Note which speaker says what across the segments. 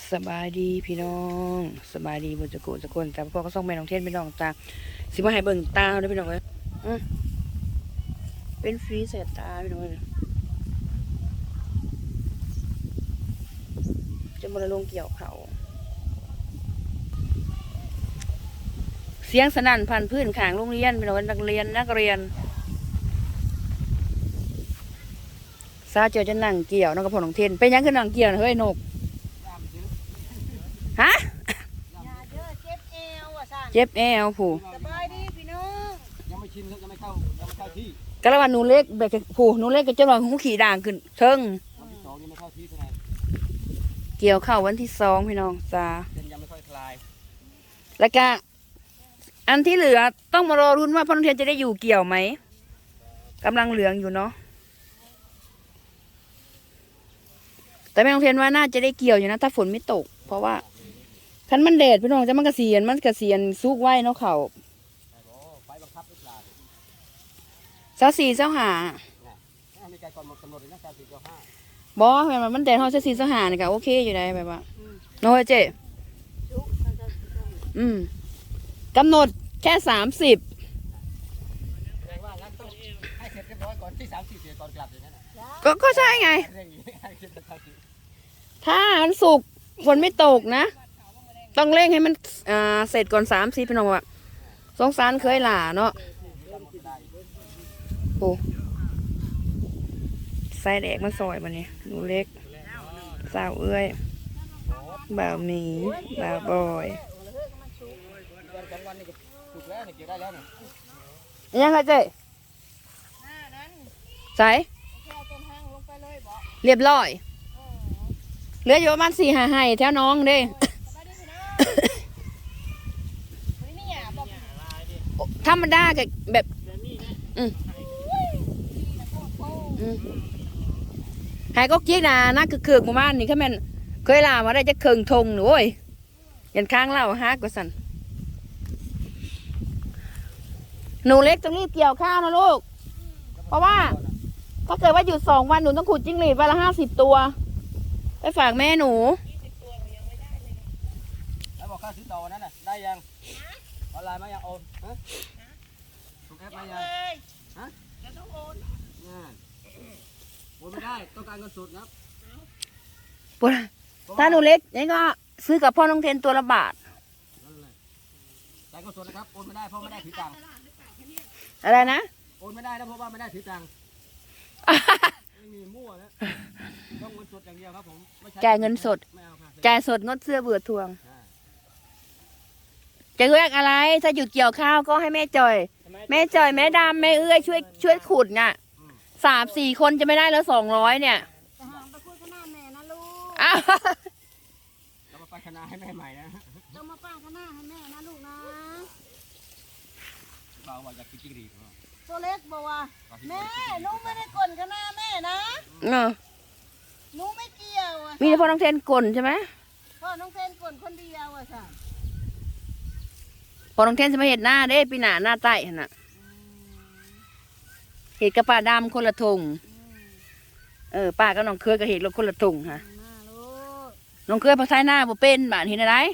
Speaker 1: สบายดีพี่น้องสบายดีบนจะโกจะคนแต่พ่อก็ส่งแม่น้องเทนพี่น้องตาสิมาให้เบิ่งตาด้วยพี่น้องเลยเป็นฟรีเสร็จตาพี่น้องเลยจะมาลงเกี่ยวเขาเสียงสนั่นพันพื้นขางโรงเรียนพี่น้องนักเรียนซาเจอจะนั่งเกี่ยวน้องกับพ่อน้องเทนเป็นยังคือนั่งเกี่ยวเฮ้ยนกฮะเจ็บแอวผู้
Speaker 2: สบายดีพี่น้อง
Speaker 3: ยังไม่ชินยังไม่เข้าที่
Speaker 1: กระวันหนูเล็กแบบผู้หนูเล็กก็จะลองหูขี่ด่างขึ้นเทิง
Speaker 3: วันที่สองยังไม่เข้าที่เท่าไหร่
Speaker 1: เกี่ยวเข้าวันที่2พี่น้องจ้า
Speaker 3: เส้นยังไม่ค่อยคลาย
Speaker 1: แล้วก็อันที่เหลือต้องมารอรุ้นว่าพ่อน้องเทียนจะได้อยู่เกี่ยวไหมกำลังเหลืองอยู่เนาะแต่แม่น้องเทียนว่าน่าจะได้เกี่ยวอยู่นะถ้าฝนไม่ตกเพราะว่าคันมันแดดพี่น้องจะมันกระเสียนซุกไว้เนาะเขา
Speaker 3: ไฟบังคับหรือเปล่า
Speaker 1: เจ้าสี่เจ้าหา
Speaker 3: มีการก่อนหมดกำหนดเลยนะการสี่เจ้าห้า
Speaker 1: บอแบบมันแดดเท่าเจ้าสี่เจ้าหาเนี่ยก็โอเคอยู่ได้แบบว่าโน้เจ๊กำหนดแค่30
Speaker 3: แสดงว่างั้นต้องให้เสร็จเรียบร้อยก่อนที่30เสียก่อนกลับอย่างนั้น
Speaker 1: ก็ใช่ไงถ้ามันสุกฝนไม่ตกนะต้องเร่งให้มันเสร็จก่อน30พี่น้องว่าสงสารเคยหล่าเนาะโอ้ใส่แดกมาซอยมันนี่หนูเล็กสาวเอ้ยบ่าวหมีบ่าวบอยยังไงเจ๊ใส่เรียบร้อยเหลืออยู่ประมาณ4-5 ไห่แถวน้องเด้ธรรมดากับแบบหายก็เกี้ยนะนักคือหมู่บ้านนี่เขาแม่นเคยลามาได้จะเคืองทงหนูโอ้ยยันข้างเล่าฮักกว่าสันหนูเล็กต้องรีบเกี่ยวข้าวนะลูกเพราะว่าถ้าเกิดว่าหยุด2 วันหนูต้องขุดจิ้งหรีดวันละ50 ตัวไปฝากแม่หนู
Speaker 3: แล้วบอกค่าซื้อต่อนั้นน่ะได้ยังออนไลน์มายังโอนส่งแอปมายังฮะจะต้องโอนโอนไม่ได้ต้องการเงินสดครับ
Speaker 1: ปุ๊ถ้าหนูเล็กนี่ก็ซื้อกับพ่อน้องเทนตัวละบาท
Speaker 3: จ่ายเงินสดนะครับโอนไม่ได้เพราะไม่ได้ถือตังค์
Speaker 1: อะไรนะ
Speaker 3: โอนไม่ได้นะเพราะว่าไม่ได้ถือตังค์ไม่มีมั่วนะต้องเงินสดอย่างเดียวครับผม
Speaker 1: จ่ายเงินสดจ่ายสดงดเสื้อเบื่อทวงจะเรียกอะไรถ้าหยุดเกี่ยวข้าวก็ให้แม่จอยแม่ดำแม่เอื้อยช่วยขุดน่ะ3-4 คนจะไม่ได้แล้ว200เนี่ย
Speaker 2: ไปคุยกับหน้าแม่นะลูก
Speaker 3: เรามาปั้นคณะให้แม่ใหม่นะ
Speaker 2: เรามาปั้นคณะให้แม่นะลูกนะ
Speaker 3: บ่าวว่าอยากกินจิ้งหรีด
Speaker 2: ตัวเล็กบอกว่าแม่หนูไม่ได้กลนคณะแม่นะหนูไม่เกี่ยว
Speaker 1: มีพ่อน้องเทนกลใช่ไหม
Speaker 2: พ่อน้องเทนกลคนเดียวค่ะ
Speaker 1: พอน้องเทนจะมาเห็ดหน้าเด้ปีหน้าใต้ขนาดเห็ดกระป่าดำคนละทงป้ากับน้องเคยกับเห็ดรถคนละทงค่ะน้องเคยภาษาหน้าบ่เป็นบ้านเห็นอะไร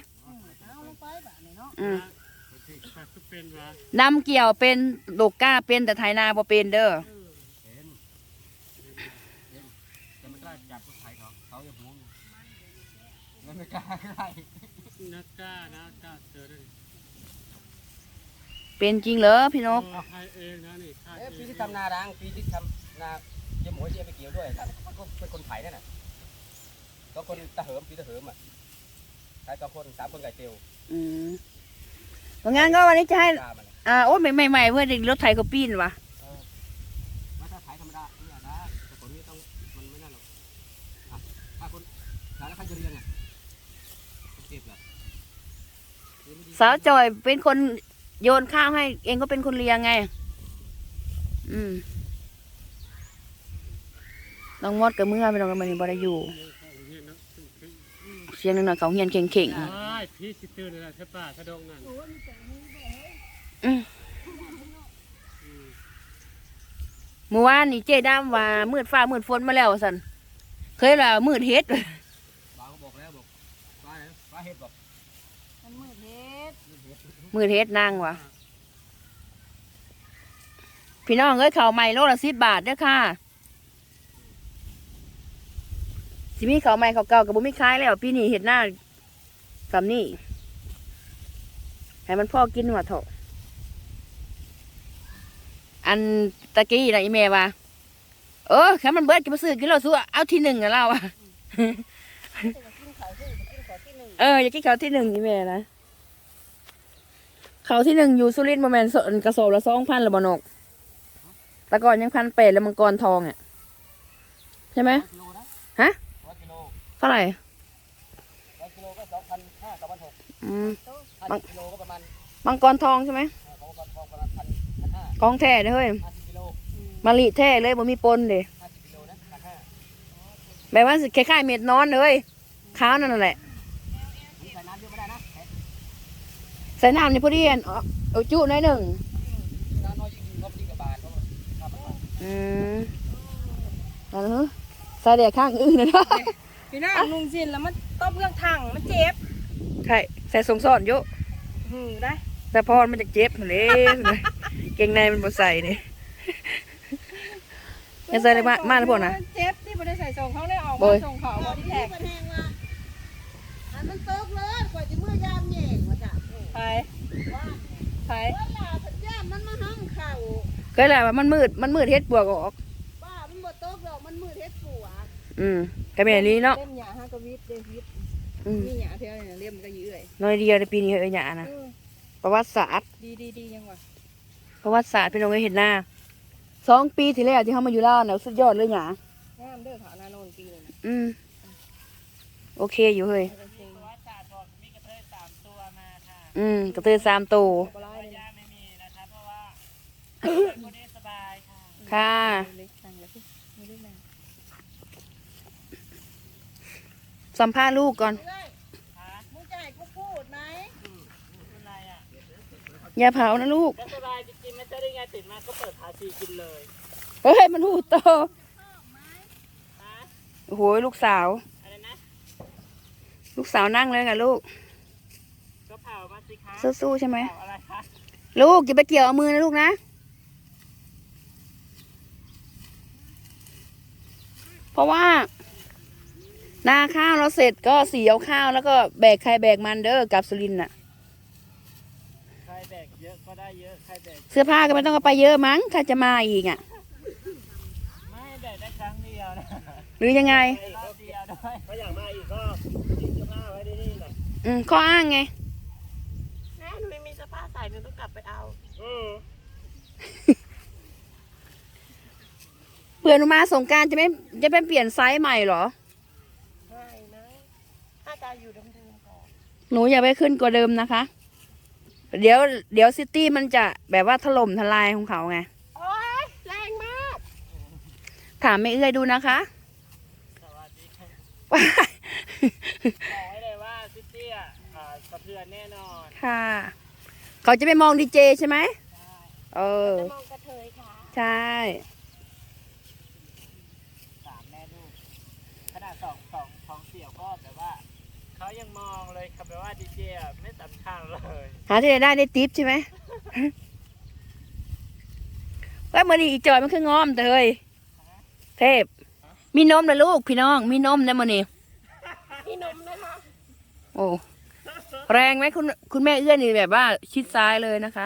Speaker 1: ดำเกี่ยวเป็นโลกก้าเป็นแต่ไทยนาบ่เป็นเด้อ
Speaker 3: จะไม่กล้าจับผู้ชายเขาอย่าห่วงไม่กล้าอะไร
Speaker 4: นักกล้าเจอได้
Speaker 1: เป็นจริงเหรอพี่นก
Speaker 3: ปีที่ทำนาดังปีที่ทำนาเยี่ยมหัวเยี่ยมไปเกี่ยวด้วยก็เป็นคนไผ่นั่นน่ะก็คนตะเหิมปีตะเหิมอ่ะใช้2 คน 3 คนไก่เตียว
Speaker 1: เพราะงั้นก็วันนี้จะให้โอ้ยใหม่เพื่อเด็กรถไถก็ปีนวะ
Speaker 3: ถ้าไถธรรมดาไม่ได้แต่คนนี้ต้องมันไม่น่าหรอกถ้าคนแล้วใครจะเรียงอ่ะเก็บเหรอ
Speaker 1: สาวจอยเป็นคนโยนข้าวให้เองก็เป็นคนเลี้ยงไงน้องมดกับเมื่อไปน้องกันมาในบริยูเสียงหน่อยเขาเฮียนเข่ง
Speaker 4: พี่สิตื่นเลยใช่ป่ะถ้าดงนั่น
Speaker 1: เมื่อวานนี่เจ๊ดำว่ามืดฟ้ามืดฝนมาแล้วสันเคยว่ามืดเฮ็ด
Speaker 3: บอกแล้วบอกปลาเห็ดบ่
Speaker 2: มันมืดเฮ็ด
Speaker 1: มือเฮ็ดนางวะพี่น้องเอ้ยข้าวใหม่โลละ10 บาทเด้อค่ะสิมีข้าวใหม่ข้าวเก่ากับบ่มีขายแล้วพี่นี่เฮ็ดหน้าสำนี่ให้มันพ่อกินหัวเถอะอันตะกี้นะอีเมว่าแค่มันเบิดกินมาซื้อกินเราสู้เอาที่ 1นะเราอะ อยากกินเขาวที่ 1อีเมนะเขาวที่ 1อยู่สุรินทร์ประมาณกระสอบละ2,000ละบ่นกแต่ก่อนยัง1,800แล้วมังกรทองอ่ะใช่ไหม
Speaker 3: กิโลนะ
Speaker 1: ฮะ
Speaker 3: 100 กิโล
Speaker 1: เท่าไหร่
Speaker 3: 100 กิโลก็2,500 2,600 50 กิโลก็ประมาณ
Speaker 1: มังกรทองใช่ไหม
Speaker 3: ของประมาณ1,500
Speaker 1: ของแท้เด้อเฮ้ย
Speaker 3: 50 กิโล
Speaker 1: มะลิแท้เลยบ่มีปนเด้
Speaker 3: 50 กิโลนะ1,500
Speaker 1: แบบว่าคล้ายๆเม็ดนอนเลยขาวนั่นแหละ
Speaker 3: ใส่น้ำเยอะไม่ได้นะ
Speaker 1: ใส่น้ำในพอดีเอาจุหน่อยหนึ่ง
Speaker 3: น้ำน้อยยิ่งดีเพราะยิ่งกับบานเพราะว่าน้ำมันน้อย
Speaker 1: นั่นเหรอใส่แดดข้างอื่นนะเนาะ
Speaker 2: พี่น้านุ่งสิ้นแล้วมันตบเรื่องถังมันเจ็บ
Speaker 1: ใช่ใส่สงสอนเยอะ
Speaker 2: ได้
Speaker 1: แต่พอมันจะเจ็บเลยเกงในมันบ่ใส่นี่ยังใส่เลยมาแล้วพวกนะ
Speaker 2: เจ็บที่บ่ได้ใส่ส่งเขาได้ออก
Speaker 1: โอ้
Speaker 2: มาย ส่งเขาบ่ที่แท็ก
Speaker 5: อันมันตกเลยกว่าจะเมื่อยามแย่งว่าจ้ะ
Speaker 2: ไปไป
Speaker 5: เวลาสัญญาณมันมาห้องเข่า
Speaker 1: ก็แหละว่ามันมืดเฮ็ดปวกออก
Speaker 5: บ้ามันบ่ตกหรอกมันมืดเฮ็ดปัว
Speaker 1: ก็เป็นอันนี้เนาะ
Speaker 2: เล่มหยาฮะกวิทย์เดวิด
Speaker 1: อืม
Speaker 2: มีหยาเท่านี้เล่มมันก็ยื้อเลย
Speaker 1: น้อยเดียวในปีนี้หยานะประวัติศาสตร์
Speaker 2: ดียังวะ
Speaker 1: ประวัติศาสตร์พี่น้องเห็นหน้า2 ปีที่แล้วที่เขามาอยู่ลาวเนี่ยสุดยอดเลยหยาง
Speaker 2: ามเด้อขานาโนนปีนึง
Speaker 1: โอเคอยู่เฮ้ย
Speaker 4: ว่าศาสตร์บอกมีกระเทย3 ตัวมาค่ะ
Speaker 1: กระตือ3 ตัว
Speaker 2: ปลายเลย
Speaker 4: ย่าไม่มีนะคะเพราะว่าคนนี้สบายค่ะ
Speaker 1: ค่ะ
Speaker 2: เล็กสั่งแล้วพี่ไม่ได้นาน
Speaker 1: สัมภาษณ์ลูกก่อน
Speaker 5: เอ้ยมึงจะให้กูพูดไหม
Speaker 4: เป็นไรอ่ะ
Speaker 1: อย่าเผานะลูก
Speaker 4: ก็สบายจริงๆไม่ใช่ได้ไงตื่นมาก็เปิดพาชีกินเลย
Speaker 1: เฮ้ยมันหูโต
Speaker 4: ฮะ
Speaker 1: โอ้โหลูกสาว
Speaker 4: อะไรนะ
Speaker 1: ลูกสาวนั่งเลยค่ะลูก
Speaker 4: ก็เผามาสิคะ
Speaker 1: สู้ๆใช่ไหม
Speaker 4: เผาอะไรคะ
Speaker 1: ลูกอย่าไปเกี่ยวเอามือนะลูกนะ เพราะว่านาข้าวเราเสร็จก็สีเอาข้าวแล้วก็แบกใครแบกมันเด้อกลับสุรินทร์น่ะ
Speaker 4: ใครแบกเยอะก็ได้เยอะใครแบก
Speaker 1: เสื้อผ้าก็ไม่ต้องเอาไปเยอะมั้งถ้าจะมาอีกอ่ะ
Speaker 4: ไม่แบกได้ครั้งเดียวนะ
Speaker 1: หรือยังไง
Speaker 4: รอบเดียวด้วยถ้าอยากมาอีกก็ทิ้งเสื้อผ้าไว้ที่นี่แหละ
Speaker 1: ข้ออ้างไง
Speaker 4: แม่หนูไม่มีเสื้อผ้าใส่หนูต้องกลับไปเอา
Speaker 1: เผื่อหนูมาสงกรารจะไปเปลี่ยนไซส์ใหม่เหรอ
Speaker 4: ไม่นะถ้าจะอยู่เดิมๆก่อน
Speaker 1: หนูอย่าไปขึ้นกว่าเดิมนะคะ เดี๋ยวซิตี้มันจะแบบว่าถล่มทลายของเขาไง
Speaker 4: โอ๊ยแรงมาก
Speaker 1: ถามไม่เอื้อยดูนะคะ
Speaker 4: สวัสดีค่ะบอกไว้เลยว่าซิตี้อ่ะสะเทือนแน่นอน
Speaker 1: ค่ะ เขาจะไปมองดีเจใช่ไหมเออ
Speaker 4: มองกระเทยค่ะ
Speaker 1: ใช่
Speaker 4: 3 แม่ลูกขนาดสองเสี่ยวก็แบบว่าเขายังมองเลยครับแบบว่าดีเจอ่ะไม่สำคัญเลย
Speaker 1: หาที่ไหนได้ทิปใช่ไหม ว่ามือนี้อีจอยมันคืองอมแต่เฮ้ยเทพ มีนมนะลูกพี่น้อง มีนมนะมือนี้
Speaker 4: พี่นมนะคะ
Speaker 1: โอ้แรงไหมคุณแม่เอื้อนี่แบบว่าชิดซ้ายเลยนะคะ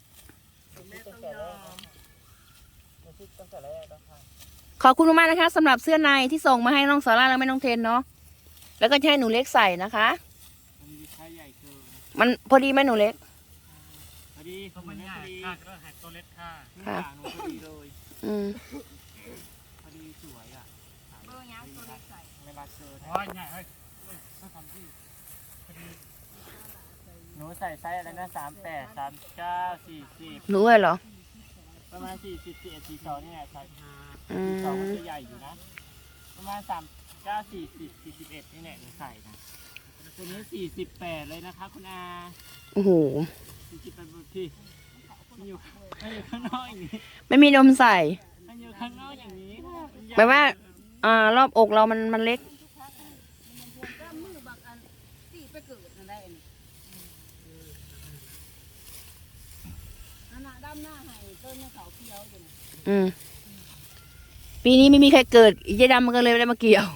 Speaker 1: ขอบคุณมากๆนะคะสำหรับเสื้อในที่ส่งมาให้น้องซาร่าและแม่น้องเทนเนาะแล้วก็จะให้หนูเล็กใส่นะคะ
Speaker 4: มันมีไซส์ใหญ่เกิน
Speaker 1: มันพอดีไหมหนูเล็ก
Speaker 4: พอดีมันใหญ่ค่ะก็หักตัวเล็กค่ะ
Speaker 1: ค่ะ
Speaker 4: หนูพอดีเลย
Speaker 1: อืม
Speaker 4: พอดีสวยอ่ะ
Speaker 2: เบอร์ยังตัวเล็กใส่
Speaker 4: เวลาเจออ๋อใหญ่เฮ้ยต้องทำที่พอดีหนูใส่ไซส์อะไรนะ38 39 40
Speaker 1: หนูเลยเหรอ
Speaker 4: ประมาณ40 41 42นี่แหละไซส์
Speaker 1: อืม
Speaker 4: 42มันจะใหญ่อยู่นะ ประมาณ39 40 41นี่แหละหนูใส่นะตัวนี้48เลยนะคะคุณอา
Speaker 1: โอ้โห
Speaker 4: 48บนที่มันอยู่ข้างนอกอย่างนี้
Speaker 1: ไม่มีนมใส่
Speaker 4: มันอยู่ข้างนอกอย่างนี้ค่ะมันใหญ่
Speaker 1: แปลว่า รอบอกเรามันเล็ก
Speaker 2: ม
Speaker 5: ไปเกิดนั่นได้อันน่ะดำหน้าให้ต้นเขาเขียวอยู่
Speaker 1: ปีนี้ไม่มีใครเกิดอีเจดำมันก็เลยไม่ได้มาเกี่ยว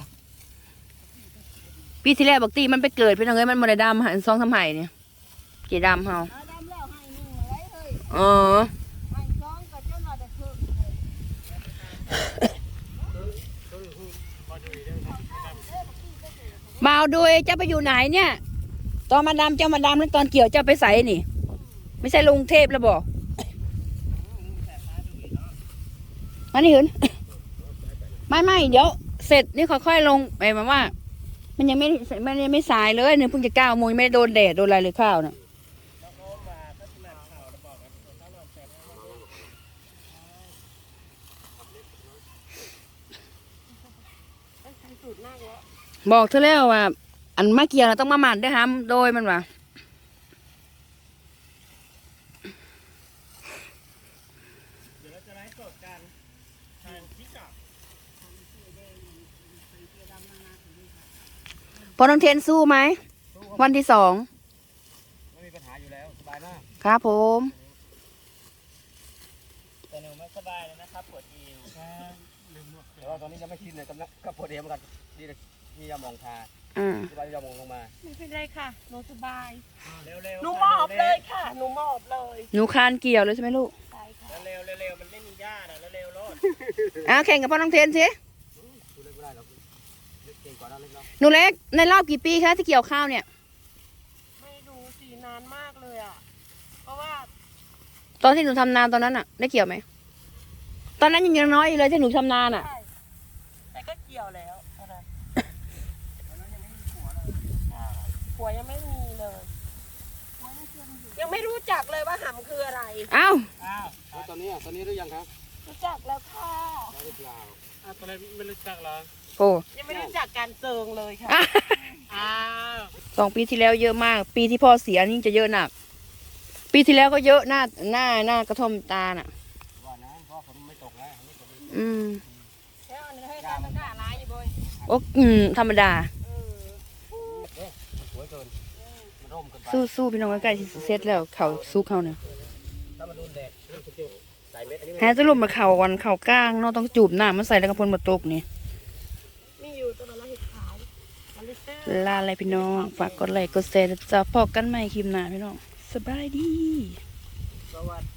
Speaker 1: ปีที่แล้วบอกตีมันไปเกิดพี่น้องเอ้ยมันมาได้ดำหันซองทำไห้เนี่ยเจดำเฮา
Speaker 5: ดำแล้วให้หนึ่งอะไรเฮ้ย
Speaker 1: อ๋อ
Speaker 5: ให้สองก็เจ้าหน่อยแต่คือ
Speaker 1: มาเอาด้วยเจ้าไปอยู่ไหนเนี่ย ตอนมาดำเจ้ามาดำแล้วตอนเกี่ยวเจ้าไปใส่นี่ ไม่ใช่ลงเทพแล้วบอกมานี่หืนไม่เดี๋ยวเสร็จนี่ค่อยๆลงไปมาว่า มันยังไม่สายเลยเนี่ยเพิ่งจะ9 โมงไม่ได้โดนแดดโดนอะไรเลยข้าวน่ะบอกเธอแล้วว่า อันมาเกี่ยวเราต้องมาหมั่นได้ห้ามโดยมันว่าพอน้องเทนสู้ไหมวันที่2
Speaker 3: ไม่มีปัญหาอยู่แล้วสบายมาก
Speaker 1: ครับผม
Speaker 4: แต่หนูไม่สบายเลยนะครับปวดเอว
Speaker 3: แต่ว่าตอนนี้ยังไม่ชินเลยกำลังก็ปวดเอวเหมือนกันดีเลยมียาหมองทา
Speaker 1: อืม
Speaker 3: สบายยาหมองลงมา
Speaker 2: ไม่เป็นไรค่ะหนูสบาย
Speaker 4: เร็วๆ
Speaker 2: หนูมอบเลยค่ะหนูมอบเลย
Speaker 1: หนูคานเกี่ยวเลยใช่ไหมลูก
Speaker 2: ใช่ค่ะ
Speaker 4: เร็วๆมันไม่มีหญ้านะเร็วๆรถ
Speaker 1: แข่งกับพ่อน้องเทนสิ
Speaker 3: ดูเล็กไม่ได้หรอกเล็กเก่งกว่านั้นเล็กเนาะ
Speaker 1: หนูเล็กในรอบกี่ปีคะที่เกี่ยวข้าวเนี่ย
Speaker 2: ไม่รู้สินานมากเลยอ่ะเพราะว่า
Speaker 1: ตอนที่หนูทำนาตอนนั้นอะได้เกี่ยวไหมตอนนั้นยังน้อยอยู่เลยที่หนูทำนาน่ะ
Speaker 2: ใช่แต่ก็เกี่ยวแล้วอะไรผัวยังไม่มีเลยยังไม่รู้จักเลยว่าหำคืออะไร
Speaker 1: เอ้า
Speaker 4: อ้าว
Speaker 3: แล้วตอนนี้หรือยังครับ
Speaker 2: รู้จักแล้วค่ะ
Speaker 3: ได้หรือเปล่า
Speaker 4: ตอนแรกไม่รู้จักเหรอ
Speaker 1: โอ้
Speaker 2: ยังไม่รู้จักการเซิงเลยค่ะ
Speaker 4: อ้าว
Speaker 1: 2 ปีที่แล้วเยอะมาก ปีที่พ่อเสียนี่จะเยอะหนัก ปีที่แล้วก็เยอะหน้ากระท่อมตาน่ะ
Speaker 3: ว่านะเพราะฝนไม่ตกแล้วไม่ตกเลย
Speaker 1: อืม
Speaker 2: แล้วอันนี้ให้ตามมันกล้าร้ายอยู่บ่อย
Speaker 1: โอ้ธรรมดา
Speaker 3: เอ๊ะมันสวยเกินมันร่มเกินไป
Speaker 1: สู้พี่น้องใกล้ๆที่เสร็จแล้วเขาสู้เขาเนี่ย
Speaker 3: ถ้ามันโดนแดดมันจะใส่เม็ดอันนี้
Speaker 1: แฮจะลุมมาเข่าวันเข่ากลางเนาะต้องจูบหน้ามันใส่แล้วก็พ่นมาตกนี่
Speaker 2: มีอยู่ตัวละเห็ดขาวมันลิเตอร์
Speaker 1: ลาอะไรพี่น้องฝากกดไลค์กดแชร์จะพอกันใหม่คลิปหน้าพี่น้องสบายดี
Speaker 4: สวัสดี